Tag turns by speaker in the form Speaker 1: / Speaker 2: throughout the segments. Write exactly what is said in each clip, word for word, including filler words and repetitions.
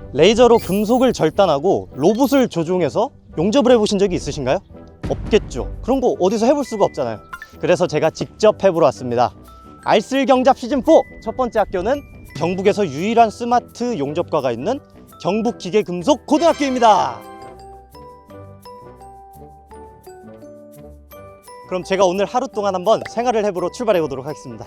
Speaker 1: 레이저로 금속을 절단하고 로봇을 조종해서 용접을 해보신 적이 있으신가요? 없겠죠. 그런 거 어디서 해볼 수가 없잖아요. 그래서 제가 직접 해보러 왔습니다. 알쓸경잡 시즌 사 첫 번째 학교는 경북에서 유일한 스마트 용접과가 있는 경북기계금속고등학교입니다. 그럼 제가 오늘 하루 동안 한번 생활을 해보러 출발해 보도록 하겠습니다.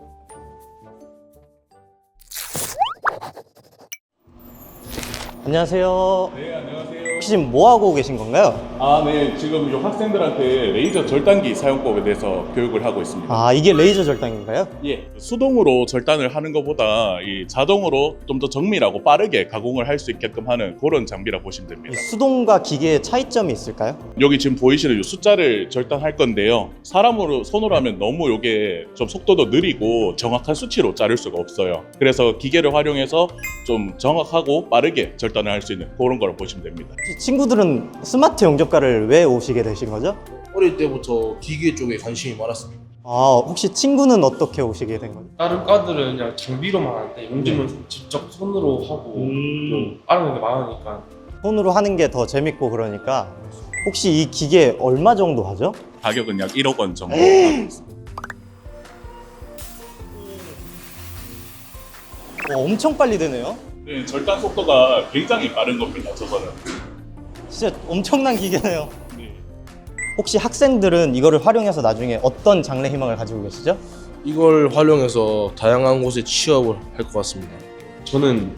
Speaker 1: 안녕하세요.
Speaker 2: 네, 안녕하세요.
Speaker 1: 혹시 지금 뭐 하고 계신 건가요?
Speaker 2: 아, 네. 지금 요 학생들한테 레이저 절단기 사용법에 대해서 교육을 하고 있습니다.
Speaker 1: 아, 이게 레이저 절단인가요?
Speaker 2: 예. 수동으로 절단을 하는 것보다 이 자동으로 좀 더 정밀하고 빠르게 가공을 할 수 있게끔 하는 그런 장비라 보시면
Speaker 1: 이
Speaker 2: 됩니다.
Speaker 1: 수동과 기계의 차이점이 있을까요?
Speaker 2: 여기 지금 보이시는 이 숫자를 절단할 건데요. 사람으로 손으로 하면 너무 이게 좀 속도도 느리고 정확한 수치로 자를 수가 없어요. 그래서 기계를 활용해서 좀 정확하고 빠르게 절단을 할 수 있는 그런 걸 보시면 됩니다.
Speaker 1: 혹시 친구들은 스마트 용접과를 왜 오시게 되신 거죠?
Speaker 3: 어릴 때부터 기계 쪽에 관심이 많았습니다.
Speaker 1: 아, 혹시 친구는 어떻게 오시게 된 거죠?
Speaker 4: 다른 과들은 그냥 장비로만 하는데 용접은 직접 손으로 하고 좀 알아내는 게 많으니까.
Speaker 1: 손으로 하는 게 더 재밌고 그러니까. 혹시 이 기계 얼마 정도 하죠?
Speaker 2: 가격은 약 일억 원 정도 하고 있습니다.
Speaker 1: 와, 엄청 빨리 되네요.
Speaker 2: 네, 절단 속도가 굉장히 빠른 겁니다. 저거는.
Speaker 1: 진짜 엄청난 기계네요.
Speaker 2: 네.
Speaker 1: 혹시 학생들은 이거를 활용해서 나중에 어떤 장래 희망을 가지고 계시죠?
Speaker 3: 이걸 활용해서 다양한 곳에 취업을 할 것 같습니다.
Speaker 4: 저는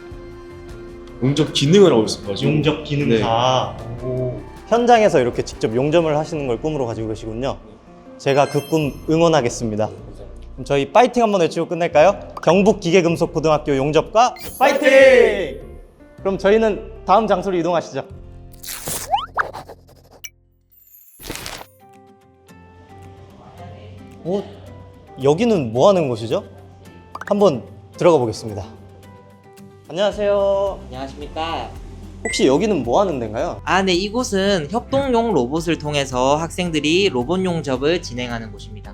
Speaker 4: 용접 기능을 하고 있어가지고.
Speaker 1: 용접 기능사. 오. 현장에서 이렇게 직접 용접을 하시는 걸 꿈으로 가지고 계시군요. 제가 그 꿈 응원하겠습니다. 그럼 저희 파이팅 한번 외치고 끝낼까요? 경북기계금속고등학교 용접과 파이팅! 그럼 저희는 다음 장소로 이동하시죠. 어? 여기는 뭐 하는 곳이죠? 한번 들어가 보겠습니다. 안녕하세요.
Speaker 5: 안녕하십니까.
Speaker 1: 혹시 여기는 뭐 하는 데인가요?
Speaker 5: 아, 네, 이곳은 협동용 로봇을 통해서 학생들이 로봇 용접을 진행하는 곳입니다.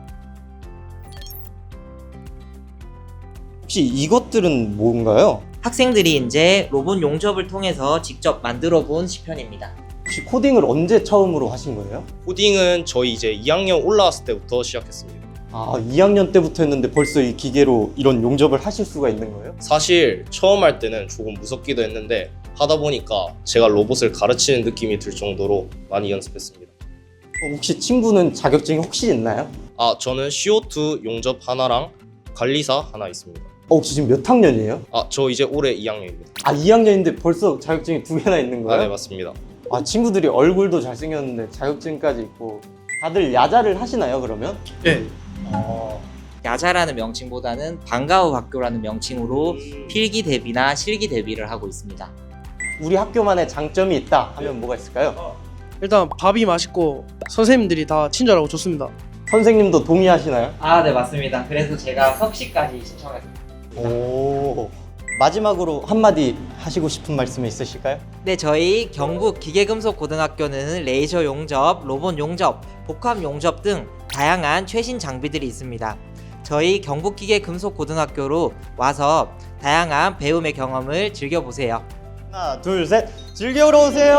Speaker 1: 혹시 이것들은 뭔가요?
Speaker 5: 학생들이 이제 로봇 용접을 통해서 직접 만들어 본 시편입니다.
Speaker 1: 혹시 코딩을 언제 처음으로 하신 거예요?
Speaker 6: 코딩은 저희 이제 이 학년 올라왔을 때부터 시작했습니다.
Speaker 1: 아, 이 학년 때부터 했는데 벌써 이 기계로 이런 용접을 하실 수가 있는 거예요?
Speaker 6: 사실 처음 할 때는 조금 무섭기도 했는데 하다 보니까 제가 로봇을 가르치는 느낌이 들 정도로 많이 연습했습니다.
Speaker 1: 어, 혹시 친구는 자격증이 혹시 있나요?
Speaker 6: 아, 저는 씨오투 용접 하나랑 관리사 하나 있습니다.
Speaker 1: 어, 혹시 지금 몇 학년이에요?
Speaker 6: 아, 저 이제 올해 이 학년입니다.
Speaker 1: 아, 이 학년인데 벌써 자격증이 두 개나 있는
Speaker 6: 아,
Speaker 1: 거예요?
Speaker 6: 네, 맞습니다.
Speaker 1: 아, 친구들이 얼굴도 잘생겼는데 자격증까지 있고 다들 야자를 하시나요, 그러면?
Speaker 3: 네.
Speaker 1: 어...
Speaker 5: 야자라는 명칭보다는 방과후 학교라는 명칭으로 필기 대비나 실기 대비를 하고 있습니다.
Speaker 1: 우리 학교만의 장점이 있다 하면 뭐가 있을까요?
Speaker 7: 일단 밥이 맛있고 선생님들이 다 친절하고 좋습니다.
Speaker 1: 선생님도 동의하시나요?
Speaker 5: 아, 네, 맞습니다. 그래서 제가 석시까지 신청했습니다.
Speaker 1: 오... 마지막으로 한마디 하시고 싶은 말씀이 있으실까요?
Speaker 5: 네, 저희 경북 기계금속고등학교는 레이저 용접, 로봇 용접, 복합 용접 등 다양한 최신 장비들이 있습니다. 저희 경북기계금속고등학교로 와서 다양한 배움의 경험을 즐겨보세요.
Speaker 1: 하나, 둘, 셋! 즐겨러 오세요!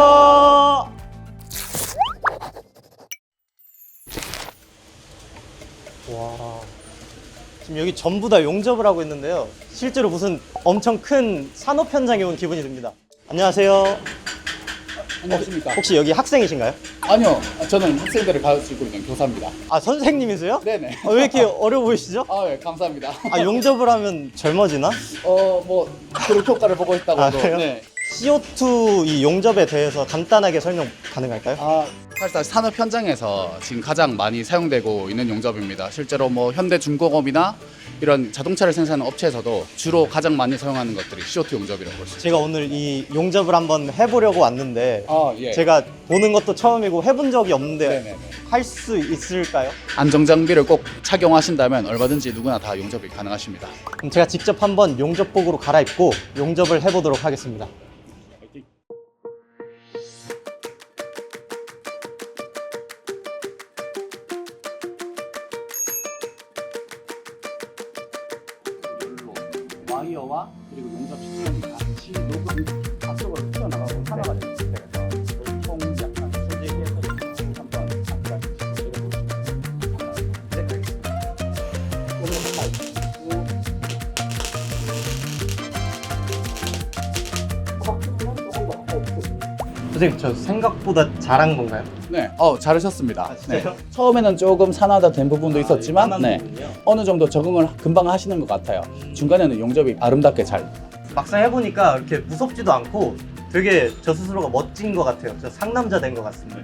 Speaker 1: 와... 지금 여기 전부 다 용접을 하고 있는데요. 실제로 무슨 엄청 큰 산업 현장에 온 기분이 듭니다. 안녕하세요.
Speaker 8: 안녕하십니까.
Speaker 1: 혹시 여기 학생이신가요?
Speaker 8: 아니요, 저는 학생들을 가르치고 있는 교사입니다.
Speaker 1: 아, 선생님이세요?
Speaker 8: 네네.
Speaker 1: 아, 왜 이렇게 어려 보이시죠?
Speaker 8: 아, 네, 감사합니다.
Speaker 1: 아, 용접을 하면 젊어지나?
Speaker 8: 어, 뭐 그런 효과를 보고 있다고
Speaker 1: 아,
Speaker 8: 해도.
Speaker 1: 그래요?
Speaker 8: 네.
Speaker 1: 씨오투 이 용접에 대해서 간단하게 설명 가능할까요?
Speaker 8: 아, 사실 산업 현장에서 지금 가장 많이 사용되고 있는 용접입니다. 실제로 뭐 현대중공업이나 이런 자동차를 생산하는 업체에서도 주로 가장 많이 사용하는 것들이 씨오투 용접이라고 볼 수 있습니다.
Speaker 1: 제가 오늘 이 용접을 한번 해보려고 왔는데
Speaker 8: 아, 예.
Speaker 1: 제가 보는 것도 처음이고 해본 적이 없는데
Speaker 8: 네네네.
Speaker 1: 할 수 있을까요?
Speaker 8: 안정장비를 꼭 착용하신다면 얼마든지 누구나 다 용접이 가능하십니다.
Speaker 1: 그럼 제가 직접 한번 용접복으로 갈아입고 용접을 해보도록 하겠습니다.
Speaker 8: 와이어와 그리고 용접 시스템이 같이 녹을
Speaker 1: 선생님 저 생각보다 잘한 건가요?
Speaker 8: 네, 어 잘하셨습니다.
Speaker 1: 아, 진짜요?
Speaker 8: 네. 처음에는 조금 산화가 된 부분도 있었지만,
Speaker 1: 아,
Speaker 8: 네,
Speaker 1: 부분이요?
Speaker 8: 어느 정도 적응을 금방 하시는 것 같아요.
Speaker 1: 음.
Speaker 8: 중간에는 용접이 아름답게 잘.
Speaker 1: 막상 해보니까 이렇게 무섭지도 않고 되게 저 스스로가 멋진 것 같아요. 저 상남자 된 것 같습니다.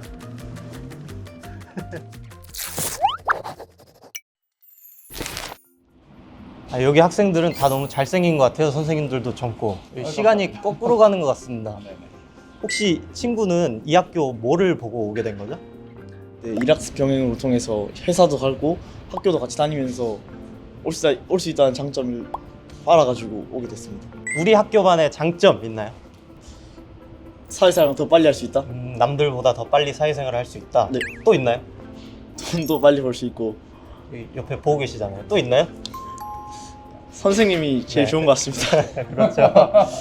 Speaker 1: 아, 여기 학생들은 다 너무 잘생긴 것 같아요. 선생님들도 젊고 시간이 거꾸로 가는 것 같습니다. 혹시 친구는 이 학교 뭐를 보고 오게 된 거죠?
Speaker 9: 네, 일학습 병행으로 통해서 회사도 가고 학교도 같이 다니면서 올 수 올 수 있다는 장점을 알아가지고 오게 됐습니다.
Speaker 1: 우리 학교만의 장점 있나요?
Speaker 9: 사회생활 더 빨리 할 수 있다.
Speaker 1: 음, 남들보다 더 빨리 사회생활을 할 수 있다.
Speaker 9: 네.
Speaker 1: 또 있나요?
Speaker 9: 돈도 빨리 벌 수 있고
Speaker 1: 여기 옆에 보고 계시잖아요. 또 있나요?
Speaker 9: 선생님이 제일
Speaker 1: 네.
Speaker 9: 좋은 것 같습니다.
Speaker 1: 그렇죠.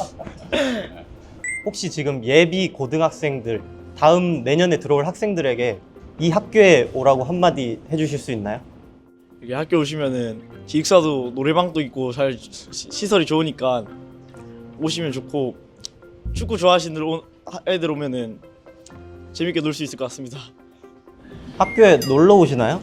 Speaker 1: 혹시 지금 예비 고등학생들 다음 내년에 들어올 학생들에게 이 학교에 오라고 한마디 해주실 수 있나요?
Speaker 9: 여기 학교 오시면은 기숙사도 노래방도 있고 잘 시- 시설이 좋으니까 오시면 좋고 축구 좋아하시는 애들 오- 애들 오면은 재밌게 놀 수 있을 것 같습니다.
Speaker 1: 학교에 놀러 오시나요?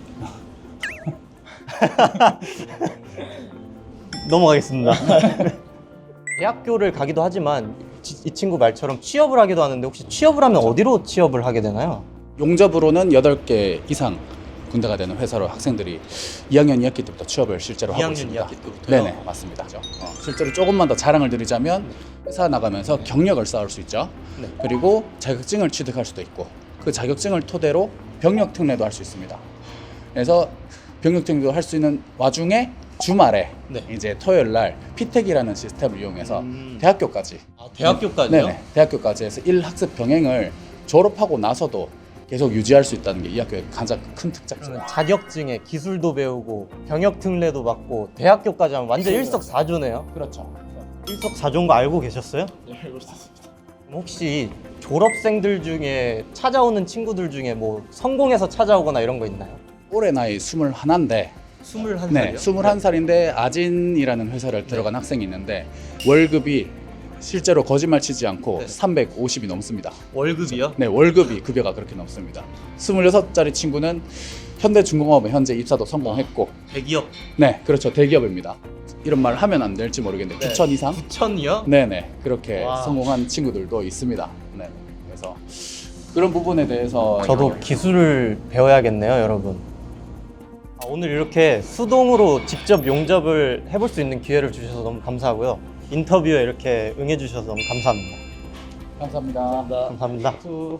Speaker 1: 넘어가겠습니다. 대학교를 가기도 하지만 지- 이 친구 말처럼 취업을 하기도 하는데 혹시 취업을 하면 어디로 취업을 하게 되나요?
Speaker 8: 용접으로는 여덟 개 이상 군대가 되는 회사로 학생들이 이 학년 이 학기 때부터 취업을 실제로 하고
Speaker 1: 이 학년
Speaker 8: 있습니다.
Speaker 1: 이 학기 때부터요?
Speaker 8: 네네, 맞습니다. 어, 실제로 조금만 더 자랑을 드리자면 회사 나가면서 경력을 쌓을 수 있죠.
Speaker 1: 네.
Speaker 8: 그리고 자격증을 취득할 수도 있고 그 자격증을 토대로 병력 특례도 할 수 있습니다. 그래서 병력 특례도 할 수 있는 와중에 주말에
Speaker 1: 네.
Speaker 8: 이제 토요일 날 피택이라는 시스템을 이용해서
Speaker 1: 음.
Speaker 8: 대학교까지
Speaker 1: 아, 대학교까지요?
Speaker 8: 네네, 대학교까지 해서 일 학습 병행을 졸업하고 나서도 계속 유지할 수 있다는 게 이 학교의 가장 큰 특장점.
Speaker 1: 그러면 자격증에 기술도 배우고 병역 특례도 받고 대학교까지 하면 완전 일석사조네요.
Speaker 8: 그렇죠.
Speaker 1: 일석사조인 거 알고 계셨어요?
Speaker 9: 네, 알고 있습니다.
Speaker 1: 그럼 혹시 졸업생들 중에 찾아오는 친구들 중에 뭐 성공해서 찾아오거나 이런 거 있나요?
Speaker 8: 올해 나이 스물하나인데
Speaker 1: 스물한
Speaker 8: 네,
Speaker 1: 살이요?
Speaker 8: 스물한 살인데 아진이라는 회사를 들어간 학생이 있는데 월급이 실제로 거짓말 치지 않고
Speaker 1: 네.
Speaker 8: 삼백오십이 넘습니다.
Speaker 1: 월급이요?
Speaker 8: 네, 월급이 급여가 그렇게 넘습니다. 스물여섯 살의 친구는 현대중공업에 현재 입사도 성공했고,
Speaker 1: 대기업
Speaker 8: 네, 그렇죠, 대기업입니다. 이런 말 하면 안 될지 모르겠는데
Speaker 1: 네.
Speaker 8: 구천 이상?
Speaker 1: 구천이요?
Speaker 8: 네네, 그렇게
Speaker 1: 와.
Speaker 8: 성공한 친구들도 있습니다. 네, 그래서 그런 부분에 대해서
Speaker 1: 저도 기술을 배워야겠네요, 여러분. 아, 오늘 이렇게 수동으로 직접 용접을 해볼 수 있는 기회를 주셔서 너무 감사하고요. 인터뷰에 이렇게 응해주셔서 너무 감사합니다.
Speaker 8: 감사합니다.
Speaker 1: 감사합니다.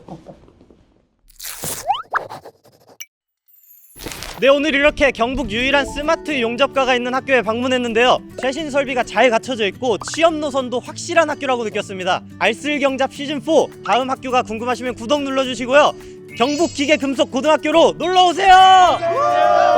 Speaker 1: 네, 오늘 이렇게 경북 유일한 스마트 용접가가 있는 학교에 방문했는데요. 최신 설비가 잘 갖춰져 있고 취업 노선도 확실한 학교라고 느꼈습니다. 알쓸경잡 시즌 사 다음 학교가 궁금하시면 구독 눌러주시고요. 경북 기계금속고등학교로 놀러오세요!